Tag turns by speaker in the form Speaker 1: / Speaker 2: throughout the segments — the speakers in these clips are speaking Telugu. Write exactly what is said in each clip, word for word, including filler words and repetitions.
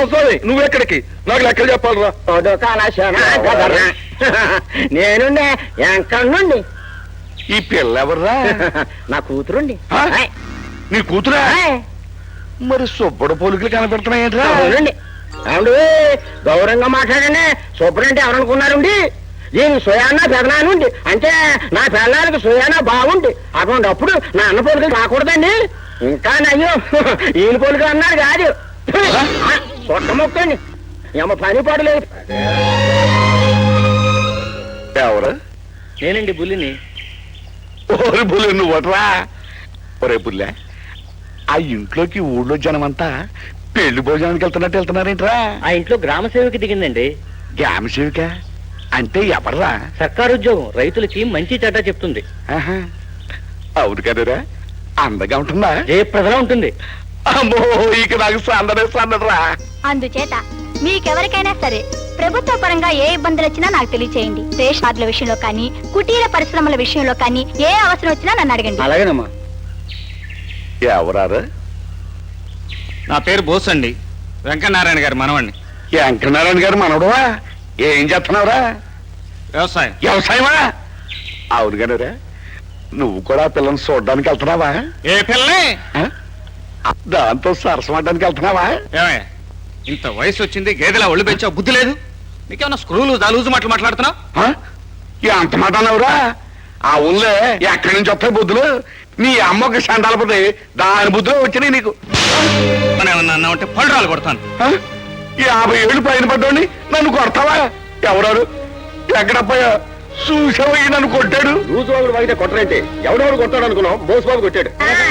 Speaker 1: రామస్వామి నువ్వెక్కడికి? నాకు లెక్కలు చెప్పాలరా.
Speaker 2: నేను ఎక్కడి నుండి.
Speaker 1: ఈ పిల్ల ఎవర్రా?
Speaker 2: నా కూతురుండి.
Speaker 1: నీ కూతురా? మరి సుబ్బడు పోలికలు కనపెడుతున్నాయంట్రా?
Speaker 2: అవునండి. అవును, గౌరవంగా మాట్లాడండి. సుబ్బడంటే ఎవరనుకున్నారండి? దీని సుయానా పెదనానుండి అంటే నా పిల్లలకి సుయానా బాగుండి అటువంటిప్పుడు నా అన్న పోలికలు రాకూడదండి. ఇంకా నయ్యో ఈయన పోలికలు అన్నారు కాదు, సొట్ట మొక్కండి. ఏమో పని పడలేదు.
Speaker 1: ఎవరు?
Speaker 2: నేనండి బుల్లిని.
Speaker 1: ఓరి బుల్లి నువ్వట్రా? ఒరే బుల్లె, ఆ ఇంట్లోకి ఊళ్ళో జనమంతా పెళ్లి భోజనానికి వెళ్తున్నట్టు వెళ్తున్నారేంట్రా?
Speaker 2: ఆ ఇంట్లో గ్రామ సేవకి దిగిందండి.
Speaker 1: గ్రామ సేవిక అంటే ఎవర్రా?
Speaker 2: సర్కారు ఉద్యోగం, రైతులకి మంచి చెడ్డ చెప్తుంది.
Speaker 1: అవును కదరా, అందగా ఉంటుందా?
Speaker 2: జయప్రదలా ఉంటుంది.
Speaker 1: అమ్మో, ఇక నాకు సందడే సందడరా.
Speaker 3: అందుచేత మీకెవరికైనా సరే ప్రభుత్వ పరంగా ఏ ఇబ్బందులు వచ్చినా నాకు తెలియచేయండి. రేషన్ కార్డుల విషయంలో కానీ, కుటీర పరిశ్రమల విషయంలో కానీ ఏ అవసరం వచ్చినా నన్ను అడగండి.
Speaker 2: అలాగేనమ్మా.
Speaker 1: ఎవరారు?
Speaker 4: నా పేరు బోస్ అండి, వెంకటనారాయణ గారు మనవండి.
Speaker 1: వెంకటనారాయణ గారు మనవడువా? ఏం చేస్తున్నావురా?
Speaker 4: వ్యవసాయం.
Speaker 1: వ్యవసాయమా? అవును కదరా, నువ్వు కూడా పిల్లల్ని చూడడానికి వెళ్తున్నావా?
Speaker 4: ఏ పిల్లని?
Speaker 1: దాంతో సరసమడ్డానికి వెళ్తున్నావా?
Speaker 4: ఏమయ్య, ఇంత వయసు వచ్చింది, గేదెలా ఒళ్ళు పెంచావు, బుద్ధి లేదు నీకేమన్నా? స్క్రూలు దాలూజు మాటలు మాట్లాడుతున్నావు?
Speaker 1: అంత మాట అన్నావురా? ఆ ఊళ్ళో ఎక్కడి నుంచి వస్తాయి బుద్ధులు? నీ అమ్మకి సండాలపోతే దాని బుద్ధులు వచ్చినాయి నీకు.
Speaker 4: ఏమన్నా ఉంటే పళ్ళరాలు కొడతాను.
Speaker 1: యాభై ఏళ్ళు పైన పడ్డోని నన్ను కొడతావా? ఎవరాడు? ఎక్కడపోయా చూసావయ్యి నన్ను కొట్టాడు.
Speaker 2: రోజు వాళ్ళు వాగితే కొట్టరంటే ఎవడెవడు కొట్టాడు అనుకున్నాం? బోసుబాబు కొట్టాడు.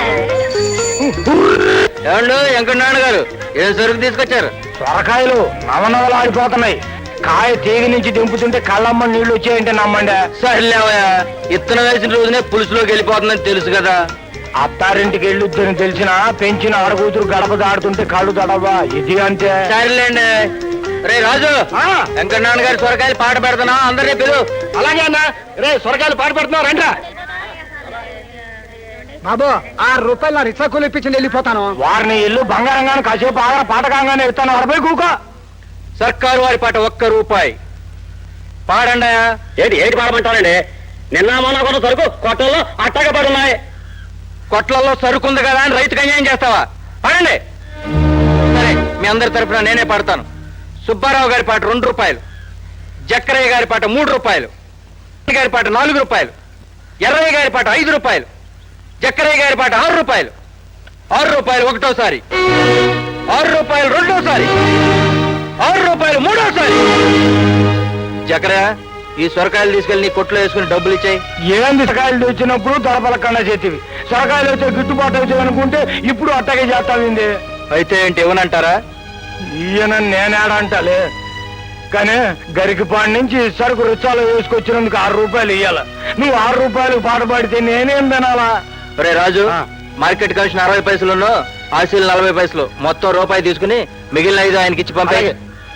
Speaker 2: ఏమండు వెంకటనారాయణ గారు, ఏ సరుకు తీసుకొచ్చారు?
Speaker 5: సొరకాయలు నవనవలు ఆడిపోతున్నాయి. కాయ తీగి నుంచి దింపుతుంటే కళ్ళమ్మ నీళ్లు వచ్చాయంటే నమ్మండి.
Speaker 2: సర్లేవయ్యా, ఇత్తనం వేసిన రోజునే పులుసులోకి వెళ్ళిపోతుందని తెలుసు కదా.
Speaker 5: అత్తారింటికి వెళ్ళొద్దని తెలిసిన పెంచిన ఆడకూతురు గడప దాడుతుంటే కళ్ళు దడవా? ఇది అంతే.
Speaker 2: సరేలేండి. రే రాజు, వెంకటనారాయణ గారి సొరకాయలు పాట పెడుతున్నా, అందరినీ పిలు.
Speaker 5: అలాగే అన్న. రే సొరకాయలు పాటు పెడుతున్నావు రండి. బాబు, ఆరు రూపాయలు నా రిక్షా కూలి ఇప్పించండి, వెళ్ళిపోతాను. వారిని ఇల్లు బంగారంగానే కాసేపు ఆగర పాటకంగానే ఇస్తాను. అరవై కూకో.
Speaker 2: సర్కారు వారి పాట ఒక్క రూపాయి పాడండి. ఏటి ఏటి పాడమంటారండి? నిన్న మొన్న కూడా సరుకు కొట్టల్లో అట్టగా పడున్నాయి. కొట్లలో సరుకుంది కదా అని రైతుకు అన్యాయం చేస్తావా? పాడండి. సరే, మీ అందరి తరఫున నేనే పాడతాను. సుబ్బారావు గారి పాట రెండు రూపాయలు, జక్కరయ్య గారి పాట మూడు రూపాయలు, గారి పాట నాలుగు రూపాయలు, ఎర్రయ్య గారి పాట ఐదు రూపాయలు, జక్కరయ్య గారి పాట ఆరు రూపాయలు, ఆరు రూపాయలు ఒకటోసారి, ఆరు రూపాయలు రెండోసారి, ఆరు రూపాయలు మూడోసారి. జక్కరయ్య, ఈ సొరకాయలు తీసుకెళ్లి నీ కొట్లో వేసుకుని డబ్బులు ఇచ్చాయి.
Speaker 5: ఏంది సొరకాయలు వచ్చినప్పుడు దొరపలకన్నా చేతివి, సొరకాయలు వచ్చే గిట్టుబాటు అవుతాయి అనుకుంటే ఇప్పుడు అట్టగే చేస్తావింది.
Speaker 2: అయితే ఏంటి ఇవ్వనంటారా?
Speaker 5: ఈయన నేనేడంటలే, కానీ గరికిపాడి నుంచి సరుకు రుచాలు వేసుకొచ్చినందుకు ఆరు రూపాయలు ఇయ్యాల. నువ్వు ఆరు రూపాయలు పాట పాడితే నేనేం తినాలా?
Speaker 2: రే రాజు, మార్కెట్ కమిషన్ అరవై పైసలు, ఆశీలు నలభై పైసలు, మొత్తం రూపాయి తీసుకుని మిగిలిన ఐదు ఆయనకి ఇచ్చి పంపాయి.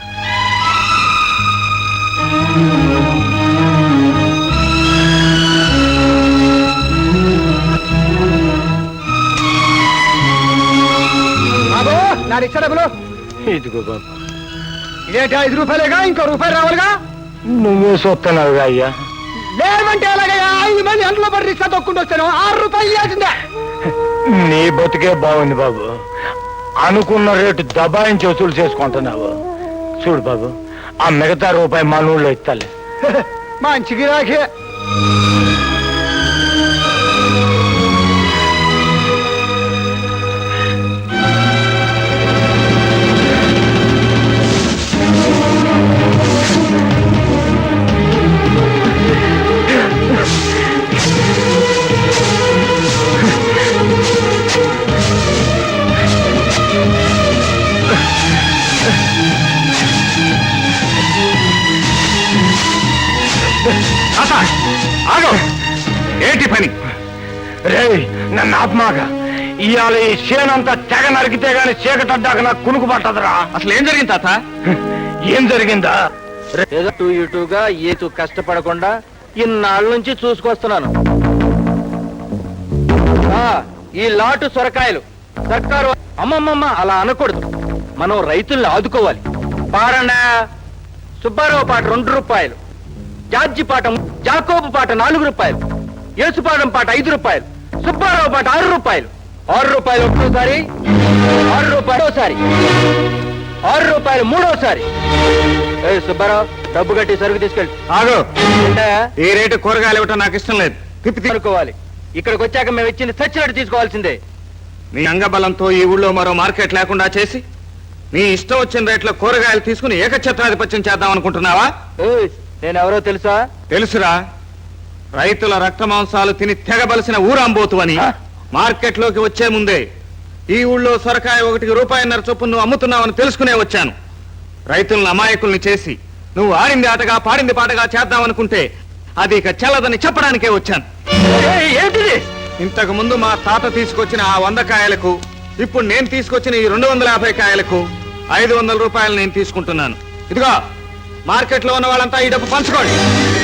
Speaker 5: బాబు, నా రిక్షా డబ్బులు ఇదిగో బాబు. ఇదేంటి ఐదు రూపాయలేగా, ఇంకో రూపాయలు రావాలిగా? నువ్వే చూస్తున్నావుగా అయ్యా. లేవంటే ఎలాగయ్యా? ఐదు మంది ఎంతలో పడి రిక్షా తొక్కుంటూ వచ్చాను, ఆరు రూపాయలు ఇవ్వాల్సిందే. నీ బతికే బాగుంది బాబు, అనుకున్న రేటు దబాయించి వసూలు చేసుకుంటున్నావు. చూడు బాబు, ఆ మిగతా రూపాయి మా నూళ్ళో ఇస్తాలే. మంచి గిరాకే.
Speaker 1: ఏంటి పని?
Speaker 5: రే నన్ను ఆత్మాక, ఇవాళ ఈ చేనంతా తెగ నరికితే గాని చీకటడ్డాక నాకు కునుకు పట్టదురా.
Speaker 4: అసలు ఏం జరిగింది తాత?
Speaker 5: ఏం జరిగిందా?
Speaker 2: ఏదో ఇటుగా ఏతు కష్టపడకుండా ఇన్నాళ్ళ నుంచి చూసుకొస్తున్నాను. ఈ లాటు సొరకాయలు సర్కారు. అమ్మమ్మమ్మ, అలా అనకూడదు. మనం రైతుల్ని ఆదుకోవాలి. పాడండా. సుబ్బారావు పాట రెండు రూపాయలు, జార్జి పాట జాకోబు పాట నాలుగు రూపాయలు, యేసుపాదం పాట ఐదు రూపాయలు, సుబ్బారావు పాట ఆరు రూపాయలు. ఆరు రూపాయలు ఒకటోసారి, ఆరు రూపాయలు ఒకసారి, ఆరు రూపాయలు మూడోసారి. ఏ సుబ్బారావు, డబ్బు కట్టి సరుకు తీసుకెళ్ళి.
Speaker 4: ఆగు.
Speaker 2: ఏంటయ్యా?
Speaker 4: ఈ రేటు కూరగాయలు ఇవ్వటం నాకు ఇష్టం లేదు. తిప్పి తిప్పి.
Speaker 2: అనుకోవాలి. ఇక్కడికి వచ్చాక మేము ఇచ్చింది చచ్చినట్టు తీసుకోవాల్సిందే.
Speaker 4: నీ అంగబలంతో ఈ ఊళ్ళో మరో మార్కెట్ లేకుండా చేసి నీ ఇష్టం వచ్చిన రేట్లో కూరగాయలు తీసుకుని ఏకఛత్రాధిపత్యం చేద్దాం అనుకుంటున్నావా?
Speaker 2: ఏయ్, నేనెవరో తెలుసా?
Speaker 4: తెలుసురా. రైతుల రక్త మాంసాలు తిని తెగబలిసిన ఊరాంబోతు అని మార్కెట్ లోకి వచ్చే ముందే ఈ ఊళ్ళో సొరకాయ ఒకటికి రూపాయిన్నర చొప్పున నువ్వు అమ్ముతున్నావని తెలుసుకునే వచ్చాను. రైతులను అమాయకుల్ని చేసి నువ్వు ఆడింది ఆటగా పాడింది పాటగా చేద్దామనుకుంటే అది ఇక చెల్లదని చెప్పడానికే వచ్చాను.
Speaker 2: ఏయ్, ఏంటిది?
Speaker 4: ఇంతకు ముందు మా తాత తీసుకొచ్చిన ఆ వంద కాయలకు ఇప్పుడు నేను తీసుకొచ్చిన ఈ రెండు వందల యాభై కాయలకు ఐదు వందల రూపాయలు నేను తీసుకుంటున్నాను. ఇదిగో మార్కెట్ లో ఉన్న వాళ్ళంతా ఈ డబ్బు పంచుకోండి.